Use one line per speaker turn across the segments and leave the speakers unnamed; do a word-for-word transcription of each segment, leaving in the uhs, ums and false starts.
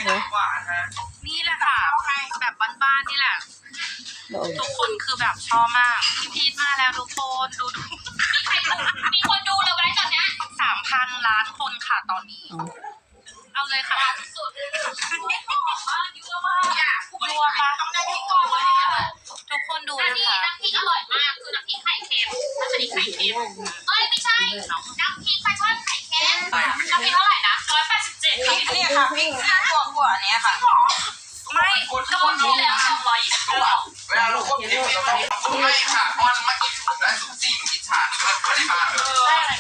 นี่แหละค่ะแบบบ้านๆนี่แหละทุกคนคือแบบชอบมากพี่พีทมาแล้วทุกคนดูดูมีคนดูเราไว้ตอนนี้สามพันล้านคนค่ะตอนนี้เอาเลยค่ะสุดนี่หอมมากยั่วมากยั่วมากทุกคนดูนะคะน้ำพริกอร่อยมากคือน้ำพริกไข่เค็มน้ำพริกไข่เค็มเอ้ยไม่ใช่น้ำพริกปลาช่อนไข่เค็มน้ำพริกเท่าไหร่นะร้อยแปดสิบเจ็ด
เนี่ยค่ะพริกหัวหัวเนี้ยค่ะ
ไม่ก็หมดแล้วสองร้อยยี่สิบ
เวลาเราควบคุมเราต้องไม่ค่ะเพราะเมื่อกี้ถูกได้สุกซี่หนูกินชาไม่ได้มาเลย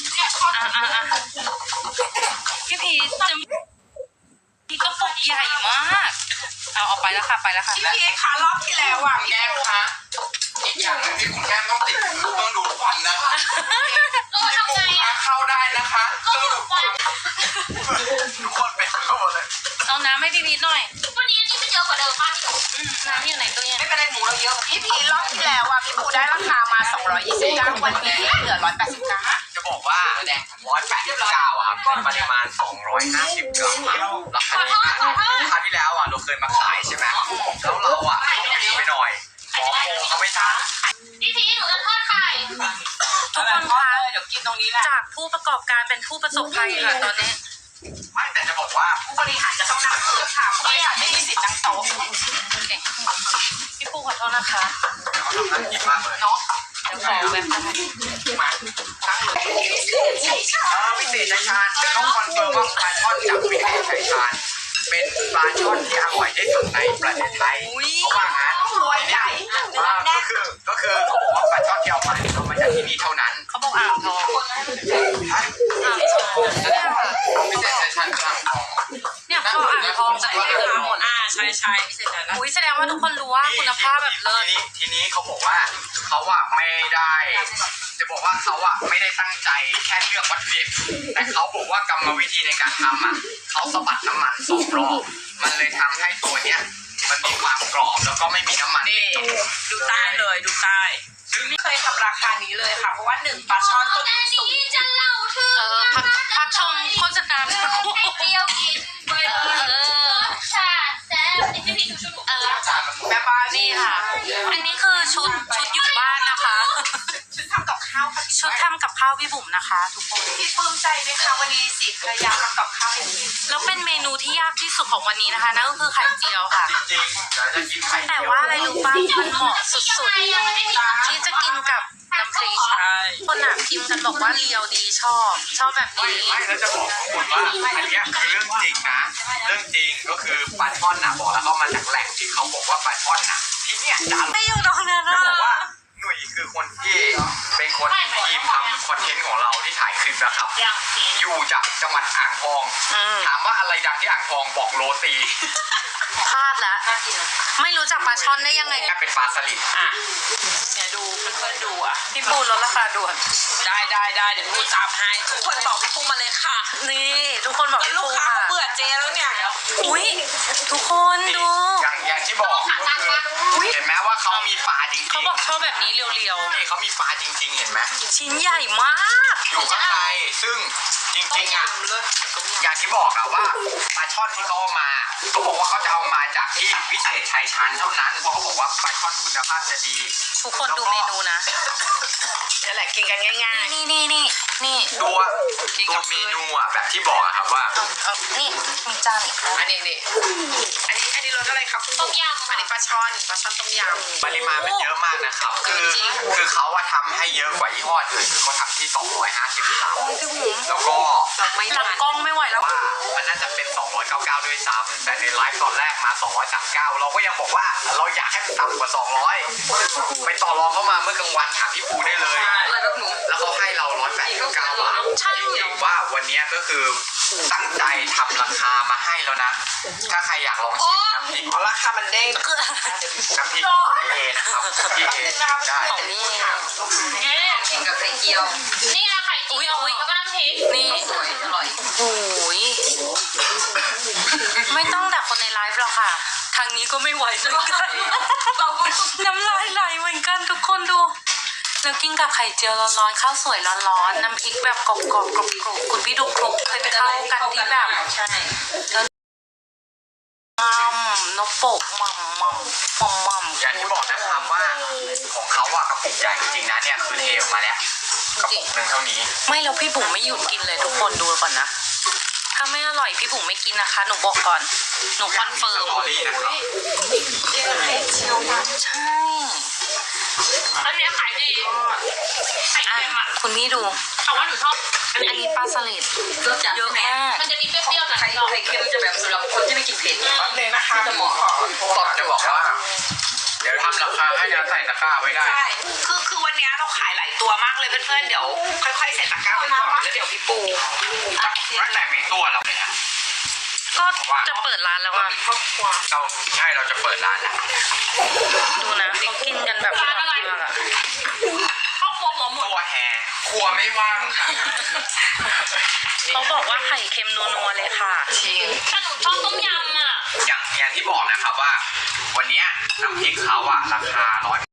พี่พีจะพี่ก็ปกใหญ่มากเอาออกไปแล้วค่ะไปแล้วค่ะ
พี่พีคารอบที่แล้วอ่ะ
แก้มคะอีกอย่างหนึ่งที่คุณแก้มต้องติดคือต้องดูควันนะคะที่ปูขาเข้าได้นะคะต้องดูควันทุกคนเป็นเข้าหมดเลย
เอาน้ำให้พี่พีหน่อย
วันนี้นี่มันเยอะกว่าเดิมมากที่สุด
น้ำอยู่ไหนตัวเนี้ย
ไม่เป็นไรหมูเราเยอะพี่พีรอบที่แล้วอ่ะพี่ปูได้ราคามาสองร้อยยี่สิบเก้าวันนี้เหลือร้อยแปดสิบเก้า
จะบอกว่าแดงร้อยแปดสิบเก้าครับปริมาณสองร้อยห้าสิบกรัมราคาที่คราวที่แล้วอ่ะเราเคยมาขายใช่ไหมแล้วเราอ่ะดีไปหน่อยขอโคเขาไม่ทัน
พี่พีหนูจะทอดไข่
ทุกคนคะ
เดี๋ยวกินตรงนี้แหละ
จากผู้ประกอบการเป็นผู้ประสบภัยค่ะตอนนี้
ไม่แต่จะบอกว่า
ผู้บริหารจะต้องนั่งเสือค่ะผู้บริหารไม่มีสิทธิ์นั่งโต๊ะ
พี่ปูขอโทษนะคะ
เขาทำน่ากินมากเลย
เนาะ
เดี๋ยวขอแบบ
มาตั้งเลยพิเศษชัยชาญพิเศษชัยชาญจะต้องคอนเฟิร์มว่าปลาช่อนจากพิเศษชัยชาญเป็นปลาช่อนที่อร่อยที่สุดในประเทศไทยเพราะว่างั้น
ตัวใหญ่
ก็คือก็คือเขาบอกว่าปลาช่อนที่เอามาเอามาจากที่นี่เท่านั้น
เขาบอกอ่างทอง
ฮะ
อ่างทอง
พิเศษชัยชาญอ่างทอง
เนี่ยเขาอ่างทองจากที่นี่หมด
อ่าใช่ใช่พิเศษชัยชาญ
อุ้ยแสดงว่าทุกคนรู้ว่าคุณภาพแบบเลิศ
ทีนี้ทีนี้เขาบอกว่าเขาอะไม่ได้จะบอกว่าเขาอะไม่ได้ตั้งใจแค่เลือกวัตถุดิบแต่เขาบอกว่ากรรมวิธีในการทำอะเขาสะบัดน้ำมันสองรอบมันเลยทำให้ตัวเนี้ยมันมีความกรอบแล้วก็ไม่มีน้ำมัน
นี่ดูใต้เลยดูใต้ซึ่งไม่เคยทำราคานี้เลยค่ะเพราะว่าหนึ่งปลาช่อนต้นทุนสูง
จะเล่าถึงเออพักพักชมโฆษณาสักครู่
เดียวกินเออชาแซ่บนี่พี่ชุดเออแม่ป้า
นี่ค่ะอันนี้คือชุดชุดอยู่บ้านนะคะ
ชุดทำกับข้าวค่ะ
ชุดทำกับข้าวพี่บุ๋มนะคะทุกคน
พี่ปลื้มใจไหมคะวันนี้สิภรรยาทำกับข้าวให้พี่
แล้วเป็นเมนูที่ยากที่สุดของวันนี้นะคะนั่นก็คือไข่เจียวค่ะ
จริงๆจะกินไข่
แต่ว่าอะไรรู้ป่ะมันเหมาะสุดๆที่จะกินกับน้ำพริกคนหนักพิมพ์กันบอกว่าเลียวดีชอบชอบแบบนี้
ไม่แล้วจะบอกข้อมูลว่าอันนี้คือเรื่องจริงนะเรื่องจริงก็คือปลาช่อนน่ะบอกแล้วเขามาจากแหล่งที่เขาบอกว่าปลาช่อนน่ะที่เนี่ยดัง
ไม่อยู่ตรงนั้นนะ
บอกว่าหนุ่ยคือคนที่เป็นคนทีมทำคอนเทนต์ของเราที่ถ่ายคลิปนะครับอยู่จากจังหวัดอ่างทองถามว่าอะไรดังที่อ่างทองบอกโรตี
พลาดแล้วไม่รู้จักปลาช่อนได้ยังไง
เป็นปลาสลิด
อ่ะเดี๋ยวดูเพื่อนๆดูอ่ะ
พี่ปูลดราคาด่วน
ได้ได้ได้เดี๋ยวพูดตามให้ทุกคนบอกพี่ปูมาเลยค่ะ
นี่ทุกคนบอกพี่ปูค่ะ
เบื่อเจแล้วเนี่ย
อุ้ยทุกคนดู
อย่างอย่างที่บอกเห็นไหมว่าเขามีปลาจริงๆ
เขาบอกชอบแบบนี้เรียว
ๆนี่เขามีปลาจริงๆเห็นไหม
ชิ้นใหญ่มาก
อยู่ข้างในซึ่งจริงๆอ่ะอย่างที่บอกอะว่าปลาช่อนที่เขาเอามาเขาบอกว่าเขาจะเอามาจากที่วิเศษชัยชาญเท่านั้นเพราะเขาบอกว่าปลาช่อนคุณภาพจะดี
ทุกคนดูเมนูนะ
นี่แหละกินกันง่าย
ๆนี่นี่นี่นี่
ตัวตัวเมนูอะแบบที่บอกอะครับว่า
นี่มีจานอีกแล้ว
อันนี้นี่อันนี้อันนี้รสอะไรครับ
ต้มยำ
อันนี้ปลาช่อนปลาช่อนต้มยำ
ปริมาณมันเยอะมากนะครับคือคือเขาว่าทำให้เยอะกว่ายี่ห้ออื่นคือเขาทำที่สองร้อยห้าสิบกรัมแล้วก็
หลังกล้องไม่ไหวแล้ว
ว่ามันน่าจะเป็นสองร้อยเก้าสิบเก้าด้วยซ้ำแต่ในไลฟ์ตอนแรกมาสองร้อยสามสิบเก้าเราก็ยังบอกว่าเราอยากให้มันต่ำกว่าสองร้อยไปต่อรองเข้ามาเมื่อกลางวันถามพี่ปูได้เลยแล้วเขาให้เราหนึ่งร้อยแปดสิบเก้าบาทจริงๆว่าวันนี้ก็คือตั้งใจทำราคามาให้แล้วนะถ้าใครอยากลองชิมน้ำพริก
ราคามันเด้ง
น้ำพริกเอนะครับพี่เอได้
ของนี่
กินกับไข่เจียว
นี่นะไข่เจียวแล้วก็น้ำพริกนี่
สวยอร่อย
โอ้ยไม่ต้องแต่คนในไลฟ์หรอกค่ะทางนี้ก็ไม่ไหวเหมือนกันน้ำลายไหลเหมือนกันทุกคนดูแล้วกินกับไข่เจียวร้อนๆข้าวสวยร้อนๆน้ำพริกแบบกรอบๆกรุบๆคุณพี่ดูคลุกเคยไปเข้ากันที่แบบโปะมัมมัมมัมมัม
อย่างที่บอกนะครับว่าของเขาอะกระปุกใหญ่จริงๆนะเนี่ยคือเทออกมาแล้วกระปุกหนึ่งเท่านี้
ไม่แล้วพี่บุ๋มไม่หยุดกินเลยทุกคนดูก่อนนะถ้าไม่อร่อยพี่บุ๋มไม่กินนะคะหนูบอกก่อนหนูคอนเฟิร์ม
สตอรี่นะครับ
ใช่อันนี้ขายดีไข่เค็มอ่ะคุณพี่ดูแต่ว่าหนูชอบอันนี้ปลาสลิดเยอะมากมันจะมีเปรี้ยวๆหน่อย
ไข่ไข่เค็มจะแบบสำหรับคนที่ไม่กินเผ็ด
แป๊บนึงนะคะ
จะเหมาะ
ตอบจะบอกว่า เดี๋ยวทำราคาให้นะใส่ตะกร้าไว้ได้
ใช่คือคือวันนี้เราขายหลายตัวมากเลยเพื่อนๆเดี๋ยวค่อยๆใส่ตะกร้าไปก่อนแล้วเดี๋ยวพี่ปู
ตั้งแต่มีตัวเราเนี่ย
ก็จะเปิดร้านแล้วอ่ะ
ครอบครัว
เราใช่เราจะเปิดร้านแล้ว
ดูนะเขากินกันแบบร้านอะไรอ่ะครอบครัวหัวหมุน
ตัวแห่ครัวไม่ว่างค่ะ
เขาบอกว่าไข่เค็มนัวๆเลยค่ะจริงถ้าหนูชอบต้มยำอ่ะ
อย่างอย่างที่บอกนะครับว่า วันนี้น้ำพริกเขาอะราคาร้อย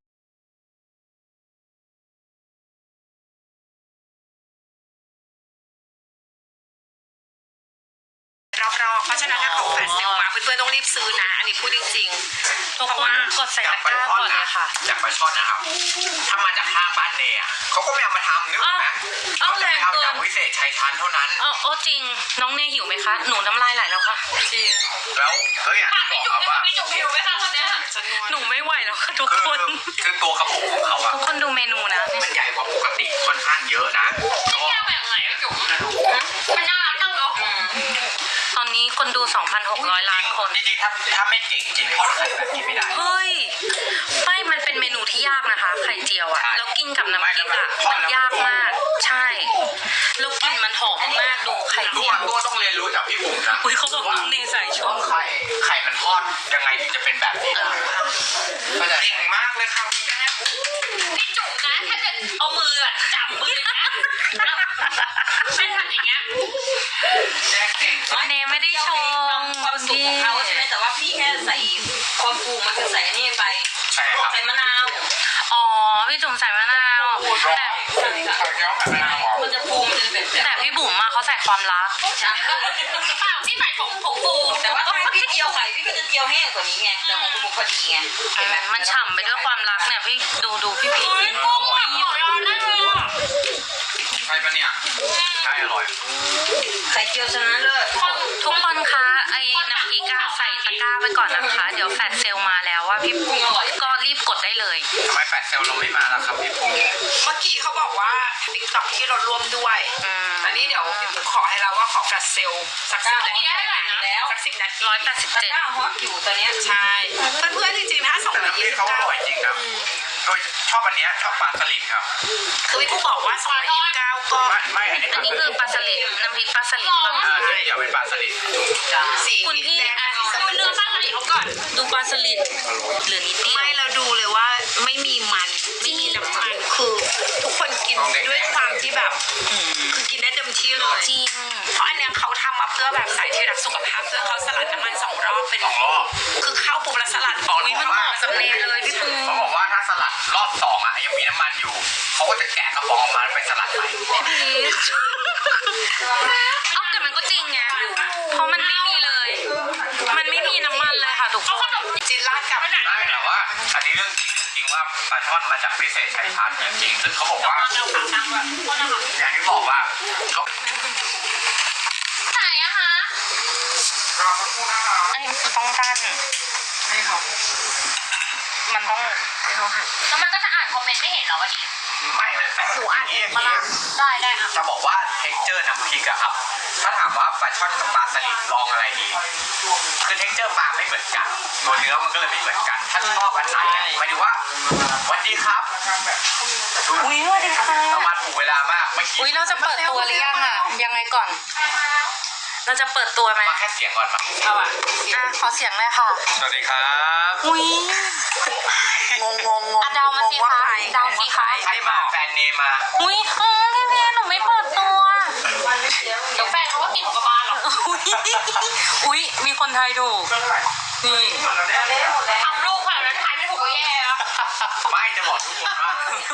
รอบๆเพราะฉะนั้นถ้าของแฟนเซลมาเพื่อนๆต้องรีบซื้อนะอันนี้พูดจริง
ทุกคนกดใส่ตะกร้าก่อนเลยค่ะ
จากปลาช่อนนะครับ ถ้ามาจากข้างบ้านเนยอะเขาก็ไม่เอามาทำนึกออกไหม
เอา
เขา
แร
จะ
ง
เอา
เกิ
จาน กวิเศษชัยชาญเท่านั้น
เออโอ้จริงน้องเนยหิวไหมคะหนูน้ำลายไหลแล้วค่ะจริง
แล้วแล้วอย่างที่บอกครับว่า
ไม่จุกหิวไหมคะตอนนี้หนูไม่ไหวแล้วค่ะทุก
คือ
คน
คือตัวกระปุกของเขาอะ
ทุกคนดูเมนูนะ
มันใหญ่กว่าปกติค่อนข้างเยอะนะก็
แก้วแบบไหนไม่จุกมันน่ารักจังเนาะตอนนี้คนดู สองพันหกร้อย ล้านคน
จริงๆถ้าถ้าไม่เก่งกินทอดไข่แบบนี้ไม่ได้
เฮ้ยไม่มันเป็นเมนูที่ยากนะคะไข่เจียวอะแล้วกินกับน้ำพริกอะมันยากมากใช่แล้วกลิ่นมันหอมมากดูไข่
ตั
เจี
ว
ยว
ตัวต้องเรียนรู้จากพี่บุ๋มนะ
อุ้ยเขาบอกน้องเนยใส่ช
ว่าม ไข่ไข่มันทอดยังไงถึงจะเป็นแบบนี้ได้ก็จะเก่งมากเลยครับพี่แม่
พี่จุ๋มนะถ้าจะเอามืออะจับมือนะไม่ทำอย่างเงี้ย
แจ๊คเก่ง
เนยไม่ได้ชม
ความสุขของเขาใช่ไหมแต่ว่าพี่แค่ใส่ความฟูมันคือใส่นี่ไป
ใช่ครับ
ใส่มะนาว
อ๋อพี่จุ๋มใส่มะนาวแต่
ใช่ค่ะ
ไข่เจียวไข่มะนาวเหรอ
มันจะฟูมันจะแบบแบบ
แต่พี่บุ๋มอะเขาใส่ความรัก
ใช่
เปล่าพี่ใส่ผงผงฟู
แต่ว่าถ้าพี่เจียวไข่พี่ก็จะเจียวแห้งกว่านี้ไงแต่ของคุณพอดีไงเห็นไหม
มันฉ่ำไปด้วยความรักเนี่ยพี่ดูดูพี่พีชกุ้งแบบหยดได้เลยอะ
ใช่ปะเนี่ยใช่อร่อย
ไข่เจียวชนะเลิศ
ทุกคนคะไอ้น้ำพริกอะใส่ตะกร้าไปก่อนนะคะ เดี๋ยวแฟลชเซลมาแล้วว่าพี่ปุ้งก็รีบกดได้เลย
ทำไมแฟดเซลเราไม่มาล่ะครับพี่ปุ้ง
เมื่อกี้เขาบอกว่าติ๊กต็อกที่เราร่วมด้วย
อืม
อันนี้เดี๋ยวพี่ปุ๊กขอให้เราว่าขอแฟลชเซลสักสิบนาทีแล้วสักสิบนาที
ร้อยแปดสิบเจ็ด
ตะกร้าฮอตอยู่ตอนเนี้ยใช่เพื่อนๆจริงๆนะสอง
แต่
ร้อย
น้ำพ
ยี่
ริก
สิบ
เขาอ
เก้า
ร่อยจริงครับโดยชอบอันเนี้ยชอบปลาสลิดครับ
คือพี่ปุ๊กบอกว่าสองร้อยยี่สิบเก้าก็
ไม่ไม่อันนี้
อันนี้คือปลาสลิดน้ำพริกปลาสลิด
อ่าเดี๋ยวเป็นปลาสลิด
สี
คุณพี่
แดง
อ่ะ
สี
ดูเนื้อปลาสลิดเขาก่อนดูปลาสลิดเหลือนิดเดียว
ไม่เราดูเลยว่าไม่มีมันไม่มีน้ำมันคือทุกคนกินด้วยความที่แบบคือกินได้เต็มที่เลย
จริง
เพราะอันเนี้ยเขาทำมาเพื่อแบบสายที่รักสุขภาพเพื่อเขาสลัดน้ำมันสองรอบเป็น
สองรอบ
คือเข้าปุ๊บแล้วสลัดออก
อุ้ยมันเหมาะกับเนยเลยพี่ปู
เขาบอกว่าถ้าสลัดรอบสองอ่ะยังมีน้ำมันอยู่เขาก็จะแกะกระป๋องออกมาไปสลัดใหม่
พีชเอาแต่มันก็จริงไงเพราะมันไม่มีเลย มันไม่มีน้ำมันเลยค่ะทุกคน
จินราดกับ
ได้แต่ว่าอันนี้เรื่องจริงเรื่องจริงว่าปลาช่อนมาจากวิเศษชัยชาญจริงๆซึ่งเขาบอกว่าอย่างที่บอกว่าเขา
ไหนอะคะ
รอสักครู่นะครับ
อันนี้มันต้องกั้น
ไม่ครับ
มันต้อง
ไม่เขาหัน
แล้วมันก็จะอ่านคอมเมนต์ไม่เห็นเหรอวันนี้
ไม่เลยแต่หนูอ่านนี้อย่างนี้
ได้ได้อ่ะ
จะบอกว่าเท็กเจอร์น้ำพริกอะครับ ถ้าถามว่าปลาช่อนกับปลาสลิดลองอะไรดี คือเท็กเจอร์ปลาไม่เหมือนกัน ตัวเนื้อมันก็เลยไม่เหมือนกัน ถ้าชอบอันไหนอะหมายถึงว่าสวัสดีครับดู
อุ้ยสวัสดีค่ะ
เรามาถูกเวลามากไม่คิด
อุ้ยเราจะเปิดตัวหรือยังอะยังไงก่อน เราจะเปิดตัวไหม
มาแค่เสียงก่อนมา
เอาอ่ะ
อ่ะขอเสียงเลยค่ะ
สวัสดีครับ
อุ้ย
งงงงง
อ่ะเดามาสิคะเดาสิคะ
ใครมาแฟนเนมมา
อุ้ยเออพี่เพียหนูไม่เปิดตัวเดี๋ยวแฟนเขาก็กินหมูกระบาลหรออุ้ยอุ้ยมีคนไทยถูกนี่
หมดแล้ว
ทำรูปค่ะแล้วทายไม่ถูกก็แย่แล้ว
ไม่จะบอกทุกคนว่า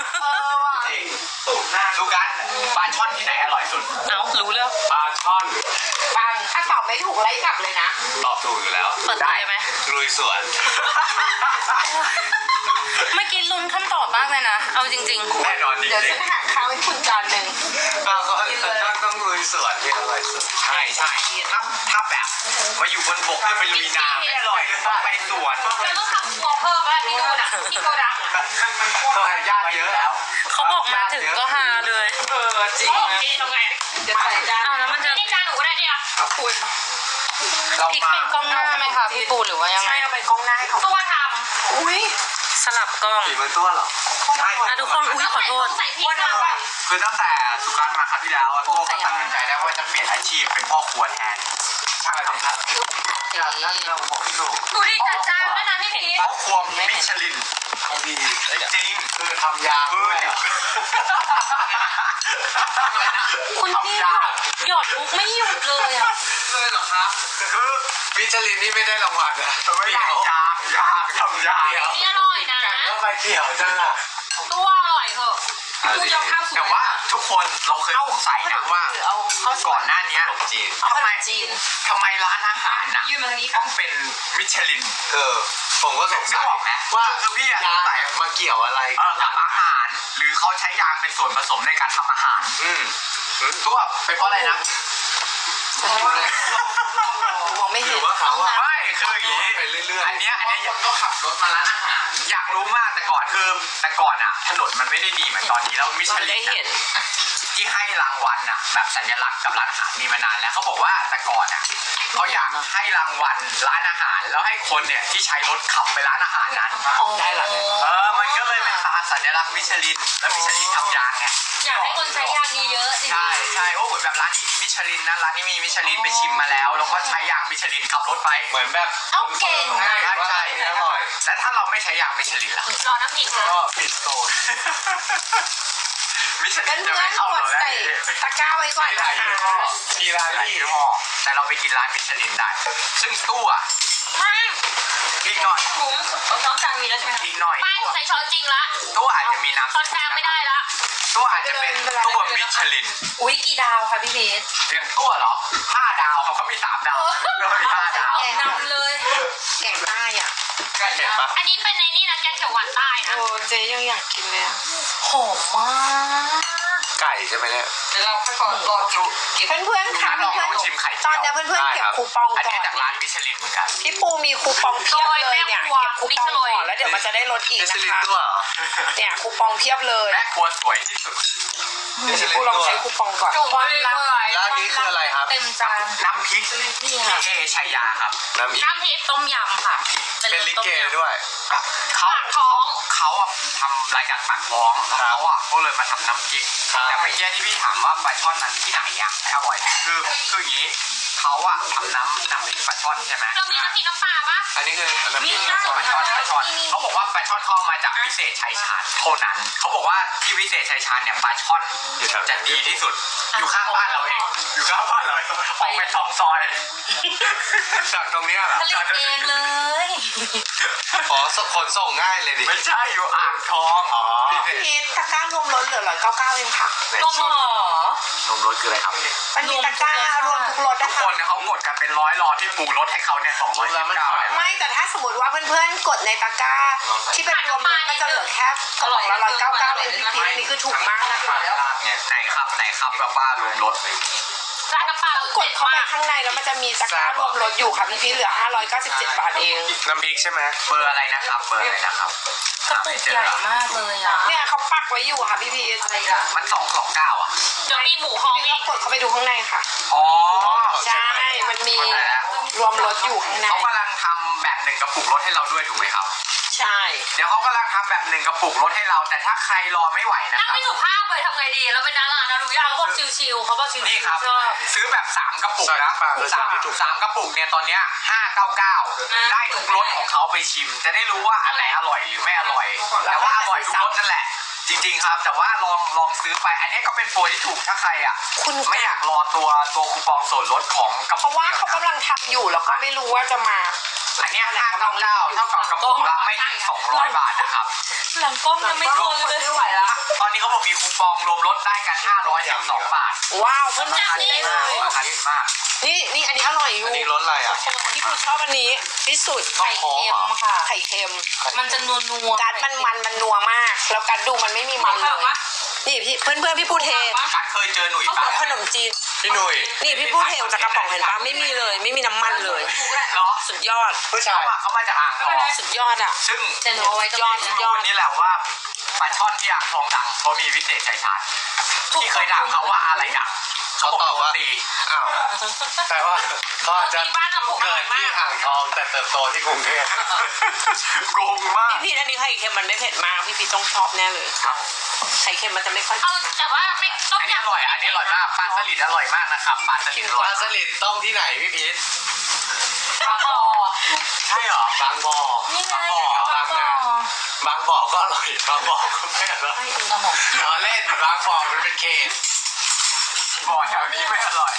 จริงดูกันปลาช่อนที่ไหนอร่อยสุด
เอารู้แล้ว
ปลาช่อน
ฟังถ้าตอบไม่ถูกไล่กลับเลยนะ
ตอบถูกอยู่แล้ว
เปิดได้ไหม
ลุยสวน
เมื่อกี้ลุ้นคำตอบมากเลยนะ เอาจริงๆ
แน่นอนจริง
เดี๋ยวฉันหาข้าวให้คุณจานหนึ่ง
ๆก็ก็ต้องต้องลุยสวนที่อร่อยสุดใช่ใช่ถ้าถ้าแบบมาอยู่บนบกเนี่ยไปลุยน้ำไม่อร่อยต้องไปสวน
เราต้องทำครัวเพิ่มแล้วที่นู่นอ่ะที่โกดัง
ต้องให้ญาติเยอะแล้ว
เขาบอกมาถึงก็ฮาเลย
เออจริง
โอเคทำไง
เดี๋ยวใส่จาน
อ้าวแล้วมันจะนี่จานหนูก็ได้เนี่ย
ขอบคุณ
เรา
พริก
มา
เป็นกล้องหน้าไหมคะพี่ปูหรือว่ายังไง
ใช่เอาเป็นกล้องหน้าให้เขา
ตัวท
อุ้ย
ำสลับกล้อง
ฝีมือตัวเหรอใช่
อ่ะทุกคนอุ้ยขอโทษ
ใส่พริกเราอ่ะ
คือตั้งแต่สุการมาครั้งที่แล้วอะตัวก็ตัดสินใจได้ว่าจะเปลี่ยนอาชีพเป็นพ่อครัวแทนใช่ครับอย่างนั้นเราบอกพี่ตู่
ดูดิจัดจานแล้วนะพี่พีช
พ่อครัวมิชลินเขาดีจริงๆคือทำยาด้วย
คุณพี่หยอดหยอดมุกไม่หยุดเลยอ่ะ
เลยเหรอครับคือมิชลินนี่ไม่ได้รางวัลนะไม่ได้ยากยากทำยาก
นี่อร่อยนะ
แล้วไปเกี่ยวจังอะ
ตัวอร่อยเหอะพูดยอมข้าวสวย
แต่ว่าทุกคนเราเคยสงสัยนะว่า
เอาข้าว
ก่อนหน้านี้ทำไม
จีน
ทำไมร้านอาหารน่ะ
ยื่นมาทางนี้
ต้องเป็นมิชลิน
เออผมก็สงสัย
นะว่าคือพี่อะสงสัย
มาเกี่ยวอะไร
เออกับอาหาร หรือเขาใช้ยางเป็นส่วนผสมในการทำอาหาร
อืม
ตัวเป็นเพราะอะไรนะ
มองไม่
ห
เห็
รื
น
อว่าเขาอะ
ไม่คืออย่างนี้
ไปเรื่อยๆ
อันเนี้ยอันเนี้ยก็ขับรถมาร้านอาหาร อยากรู้มากแต่ก่อนคือแต่ก่อนอะถนนมันไม่ได้ดีเหมือนตอนนี้แล้วมิช
เรา
ลิ
ได้
น
เห็น
ที่ให้รางวัลน่ะแบบสัญลักษณ์กับร้านอาหารมีมานานแล้วเขาบอกว่าแต่ก่อนอ่ะเขาอยากให้รางวัลร้านอาหาร แล้วให้คนเนี่ยที่ใช้รถขับไปร้านอาหารนั้น
ได้ละ
เออมันก็เลยเป็นตราสัญลักษณ์มิชลินแล้วมิชลินทำยางไง
อยากให้คนใช้ยางเยอะๆจริง
ใช่ใช่โอ้เหมือนแบบร้านนี้มีมิชลินนะร้านนี้มีมิชลินไปชิมมาแล้ว แล้วก็ใช้ยางมิชลินขับรถไป
เหมือนแบบ
ๆเอาเก่ง
ใช่
อ่ะ
ใช่
อันนี้อร่อย
แล้วถ้าเราไม่ใช้ยางมิชลินล่ะ
รอน้ำพริกนะ
ก็ปิดโซน
มิชลิ
เพื่อน น
จะ
เพื่อ
ไม่
น
เข้าก เรา
ด
แล้ว
ใส่ตะกร้าไว้ก่อน
หลายยี่
นะ
ห้อ
คะ
มีหลายหลายยี่ห้อแต่เราไปกินร้านมิชลินได้ ซึ่งตู้อ่ะ
ไม่
อีกหน่อย
ถุงน้องจางมีแล้วใช่ไหมคะ
อีกหน่อย
ไม่ใส่ช้อนจริงละ
ตู้อาจจะมีน้ำ
ช้อนกลางไม่ได้ละ
ตู้อาจจะเป็นตู้มิชลิน
อุ้ยกี่ดาวคะพี่พีช
อย่างตู้เหรอห้าดาวเขาเขามีสามดาวเรามีห้าดาว
แกงนำเลย
แกงใต้อ่ะ
ใกล้เห็นปะ
อันนี้เป็นในนี่นะแกงเขียวหวานใต้นะ
โอ้เจ๊ยังอยากกินเลยอะ
หอมมาก
ไก่ใช่ไหมเนี่ย
เดี๋ยวเราค่อยก่อนรอจุกิน
เพื่อนๆค่ะ
ลอง
เพื่อน
ลองชิมไข่
ๆต
เจี
อน
ยว
เนี้ยเพื่อนๆเก็บคูปอง
อัน
ก่
นี้
อน
จากร้านมิชลินเหมือนกัน
พี่ปูมีคูปองเพียบเลยเนี่ยเก็บคูปองก่อนแล้วเดี๋ยวมันจะได้ลดอีก
มิช
นะ
ลิน
คะ
ตัวเหรอ
เนี่ยคูปองเพียบเลย
แม่ครัวสวยที่สุด
มิชลิ
ปู
น
ลอง
ตัว
ใช้คูปองก่อน
จุ่มไปเลย
ร้านนี้คืออะไรครับ
เต็มจาน
น้ำพริกพี่เอชัยยาครับ
น้ำอีก
น้ำพริกต้มยำค่ะ
เป็นลิเกด้วย
เขาเขาเขาอะทำรายการปากท้องเขาอะก็เลยมาทำน้ำพริก
ครับ
แต่เมื่อกี้ที่พี่ถามว่าปลาช่อนนั้นที่ไหนอะอร่อยคือคืออย่างนี้เขาอะทำน้ำน้ำพริกปลาช่อนใช่ไหม
เรามีน้ำพริกน้ำปลาปะ
อันนี้คือน้ำ
มี
พริก
น้ำ
ปลาช่อนปลาช่อนเขาบอกว่าปลาช่อนเขาเอามาจากวิเศษชัยชาญเท่านั้นเขาบอกว่าที่วิเศษชัยชาญเนี่ยปลาช่อนจะดีที่สุด อยู่ข้างบ้านเราเองอยู่ข้างบ้านเราเองออกไปสองซอย
จากตรงเนี้ยเหรอ
ผลิตเองเลย
อ๋อขนส่งง่ายเลยดิ
ไม่ใช่อยู่อ่างทอง
อ๋อ
พีทตะกร้ารวมลดเหลือร้อยเก้าเก้าเองค่ะ
นมหอ
นมรสคืออะไรครับ
มันมีตะกร้ารวมทุกรส
ทุ
นะ
ก
คะ
คนเนี่ยเขากดกันเป็นร้อยรอที่ปูรถให้เขาเนี่ยสองร้อยยี่สิบเก้า
ไม่แต่ถ้าสมมติว่าเพื่อนๆกดในตะกร้าที่เป็นรวมรสก็จะเหลือแค่กระป๋องละร้อยเก้าเก้าเองพี่พีทนี่คือถูกมากนะคะ
ไหนครับไหนครับแบบว่ารวมรถ
ร้านน้ำปลาเรา
ก
เด็
ด
ด
เข้าไป
มาก
ข้างในแล้วมันจะมีตะกร้ารวมรสอยู่ค่ะพี่พีทเหลือห้าร้อยเก้าสิบเจ็ดบาทเอง
น้ำพริกใช่ไหม
เบอร์อะไรนะครับเบอร์อะไรนะครับ
กระปุกใหญ่มากเลยอ่ะ
เนี่ยเขาปักไว้อยู่ค่ะพี่พีท
มันสองสองเก้าอ่ะ
เดี๋ยวมีหมูฮ้อง
พี่
อี
ก็
ก
กดเข้าไปดูข้างในค่ะ
อ๋อ
ใช่มันมีรวมรสอยู่ข้างใน
เขากำลังทำแบบหนึ่งกระปุกรถให้เราด้วยถูกไหมครับ
ใช่
เดี๋ยวเขากำลังทำแบบหนึ่งกระปุกรถให้เรา แต่ถ้าใครรอไม่ไหวนะ
นั่ง
ครับ
ไม่ถูกภาพเลยทำไงดีเราเป็นดารานะรู้ยังเขาบอกชิวๆเขาบอกชิว
นี่ครับ
ๆชอบ
ซื้อแบบสามกระปุกนะสามสามกระปุกเนี่ยตอนเนี้ยห้าเก้าเก้าได้ทุกรสของเขาไปชิม จะได้รู้ว่าอันไหนอร่อยหรือไม่อร่อย แต่ว่าอร่อยทุกรสนั่นแหละ จริงๆครับ แต่ว่าลองลองซื้อไป อันนี้ก็เป็นโปรที่ถูกถ้าใครอ่ะ
คุณ
ไม่อยากรอตัวตัวคูปองส่วนลดของกระ
เพ
ปุก
ราะว่า
เดียว
เขา
นะ
กำลังทำอยู่แล้วก็ไม่รู้ว่าจะมา
อันเนี้ยห้าเก้าเก้าเท่ากับกระปุกละไม่ถึงสองร้อยบาทนะครับ
หลังกล้องยังไม่ทนเลย
ไม่ไหวละ
ตอนนี้เขาบอกมีคูปองรวมลดได้กันห้าร้อยสิบสองบาท
ว้าวเพื่อน
จับ
ๆ
นี่
ได้
เล
เลย ย
ราคาดีมาก
นี่นี่อันนี้อร่อยอยู่
อันนี้รสอะไรอ่ะ
พี่ปูชอบอันนี้ที่สุด
ไข่เค็มค่ะ
ไข่เค็ม
มันจะนัวนัว
กัดมันมันมันนัวมาก แล้วกัดดูมันไม่มีมันเลยนี่พี่เพื่อนเพื่อนๆพี่ปูเท
การเคยเจอหนุ่ย
เขา
ปะ
บอกขนมจีน
พี่หนุ่ย
นี่พี่ปูเทจากกระป๋องเห็นปะไม่มีเลย ไม่มีน้ำมันเลย
เหรอ
สุดยอด
ผู้ชาย
เขามาจากอ่างทอง
สุดยอดอ่ะ
ซึ่ง
แต่หนูเอาไว้ตรง
ยอด
นี้
สุด
นะ
ยอด
วันนี้แหละว่าปลาช่อนที่อ่างทองดังเขามีวิเศษชัยชาญที่เคยถามเขาว่าอะไรดังเขาบอกว่าตี
อ้าวแต่ว่าก็จะ
ที่บ้านเราปลูก
เกิดที่อ่างทองแต่เติบโตที่กรุงเทพ
โกงมาก
พี่พีทอันนี้ไข่เค็มมันไม่เผ็ดมากพี่พีทต้องชอบแน่เลยไข่เค็มมันจะไม่ค่อย
เอาแต่ว่าไม่ต้ม
อันนี้
ยำ
อร่อยอันนี้อร่อยมากปลาสลิดอร่อยมากนะครับปลาสลิดอ
ป
ร่อ
ลาย สลิดต้มที่ไหนพี่พีท
ปลาคอ
ใช่เหรอบ
างบ่อ
นี่ไง
บางบ่อ บางบ่อก็อร่อยบางบ่อก็ไม่อร่อยล้อเล่นบางบ่อมันเป็นเขต
บ่อแถวนี้ไม่อร่อย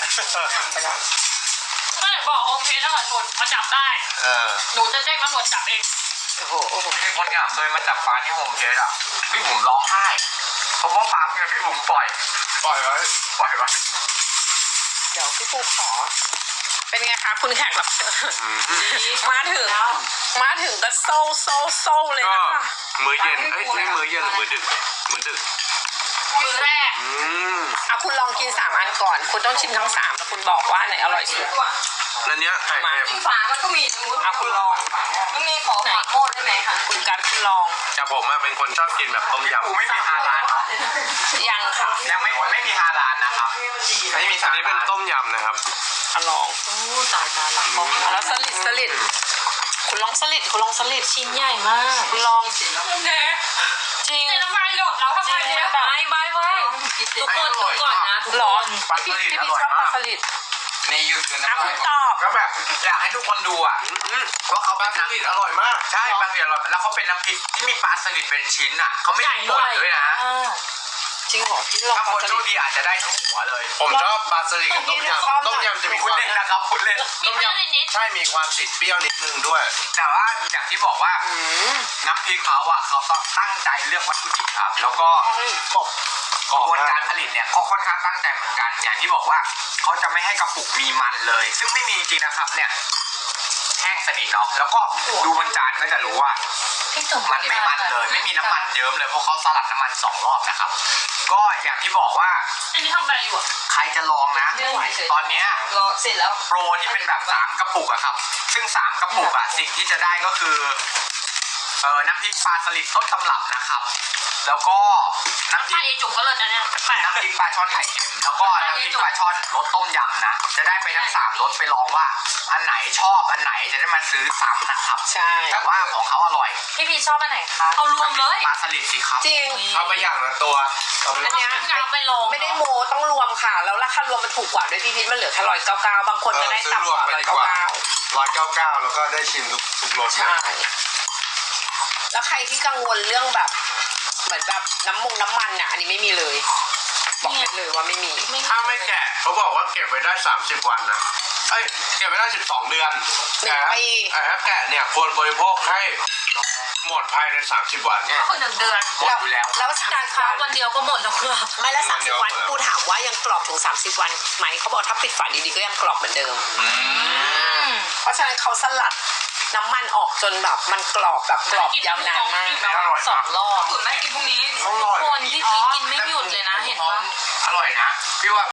ไม่บอกโอมเพชรอร่อยสุดมาจับได้
เออ
หนูจะแจ้งตำรวจจับเอง
โอ้โหโอ้โห
มีคนงานเคยมาจับปลาที่โฮมเทสอ่ะพี่ผมร้องไห้เพราะว่าปลาเนี่ยพี่ผมปล่อย
ปล่อยไว้
ปล่อยไว้
เดี๋ยวพี่ปูขอ เป็นไงคะคุณแขกรับเชิญมาถึงมาถึงก็โซ่โซ่โซ่เลย
ก็
นะคะ
มื้อเย็นเอ้ยนี่มื้อเย็นหรือมื้อดึกมื้อดึก
มือแรก
อืม
เอาคุณลองกินสามอันก่อน คุณต้องชิมทั้งสามแล้วคุณบอกว่าอันไหนอร่อยสุด
อันเนี้ยไข่เค็ม
ฝามันก็มี
เอาคุณลอง
มันมีขอฝาโมดได้ไหมคะ
คุณการคุณลอง
แต่ผมอะเป็นคนชอบกินแบบต้มยำ
กูไม่มีฮาลานเนาะ
ยังค่ะ
ยังไม่ไม่มีฮาลานนะครับไม่มี
อันนี้เป็นต้มยำนะครับ
เอาลอง
โอ้ตายตายหลังกล้อง
เอาแล้วสลิดสลิดคุณลองสลิดคุณลองสลิด
ชิ้นใหญ่มาก
คุณลอง
เน่
จริง
เนี่ยน้ำมันหยดแล้วทำไมเนี่ยแบบไม่ไม่ไม่ทุกคนทุกก่อนนะทุก
หร
ค
อน พี่พี่พี่ชอบปลาสลิด
ในยูทูบ
อ่ะ
นะ
คุณตอบ
ก็แบบอยากให้ทุกคนดูอ่ะว่าเขา
ปลา
เป็น
ส
น้ำ
ลิดอร่อยมาก
ใช่ปลาสลิดอร่อยแล้วเขาเป็นน้ำพริกที่มีปลาสลิดเป็นชิ้นอ่ะเขาไม่ได้บดด้วยนะ
จริงเหรอพี่ลอง
ถ้า
ป
ค
ลาน ส
โช
ลิ
ค
ด
ดีอาจจะได้ทุกหัวเลย
ผมชอบปลาสลิดกับต้มยำต้มยำจะมีค
พูด
วาม
เล่นนะครับพูดเล่น
มีพลาสติกนิด
ใช่มีความติดเปรี้ยวนิดนึงด้วย
แต่ว่าอย่างที่บอกว่า
อืม
น้ำพริกเขาอ่ะเขาต้องตั้งใจเลือกวัตถุดิบครับ แล้วก็
กบ
กระบวนการผลิตเนี่ยก็ค่อนข้างตั้งใจเหมือนกัน อย่างที่บอกว่าเขาจะไม่ให้กระปุกมีมันเลย ซึ่งไม่มีจริงๆนะครับเนี่ยแห้งสนิทเนาะแล้วก็ดูบนจานก็จะรู้ว่า
พี่จุ๋ม
มันไม่มันเลย ไม่มีน้ำมันเยิ้มเลยเพราะเขาสลัดน้ำมันสองรอบนะครับ ก็อย่างที่บอกว่า
อันนี้ทำอะไรอยู่อ่ะ
ใครจะลองนะ ตอนเนี้ย
รอเสร็จแล้ว
โปรที่เป็นแบบสามกระปุกอะครับ ซึ่งสามกระปุกอะสิ่งที่จะได้ก็คือเออน้ำพริกปลาสลิดต้นตำรับนะครับ แล้วก็น้ำพริ
ป้าก เอจุ๋มก็เลยนะเนี่ยแปลก
น้ำพริกปลาช่อนไข่เค็มแล้วก็น้ำพริกปลาช่อนรสต้มยำนะจะได้ไปทั้งสามรสไปลองว่า อันไหนชอบอันไหนจะได้มาซื้อซ้ำนะครับ
ใช่
แต่ว่าของเขาอร่อย
พี่พีชอบอันไหนคะเอารวมเลย
ปลาสลิดสิครับ
จริง
เอาไปอย่างละตัวเอาไป
อันเนี้ย
เอาไปลง
ไม่ได้โมต้องรวมค่ะ แล้วราคารวมมันถูกกว่าด้วยพี่พิษมันเหลือแค่ร้อยเก้าเก้าบางคนจะได้ต่ำกว่าร้อยเก้าเก้า
ร้อยเก้าเก้าแล้วก็ได้ชิมทุกทุกรสเล
ใช่
ย
แล้วใครที่กังวลเรื่องแบบ เหมือนแบบน้ำมงน้ำมันอ่ะ อันนี้ไม่มีเลย บอกได้เลยว่าไม่มี
ถ้าไม่แกะเขาบอกว่าเก็บไว้ได้สามสิบวันนะเอ้ยเก็บไว้ได้สิบสองเดือน
หนึ่งปี
แต่ถ้าแกะเนี่ยควรบริโภคให้หมดภายในสามสิบวัน
ก็คือหนึ่งเดือน
หมดอยู่แล้ว
แล้วสา
การ
ม
ค้าวันเดียวก็หมดแล้วครับ
ไม่แล้วสามสิบวันกูถามว่ายังกรอบถึงสามสิบวันไหมเขาบอกถ้าปิดฝาดีๆก็ยังกรอบเหมือนเดิม เพราะฉะนั้นเขาสลัดน้ำมันออกจนแบบมันกรอบแบบกรอบยาวนานมาก
สองรอบคุณแม่กินพรุ่งนี้
อร่อย
คนที่พีชกินไม่หยุดเลยนะเห็นปะ
อร่อยนะพี่ว่า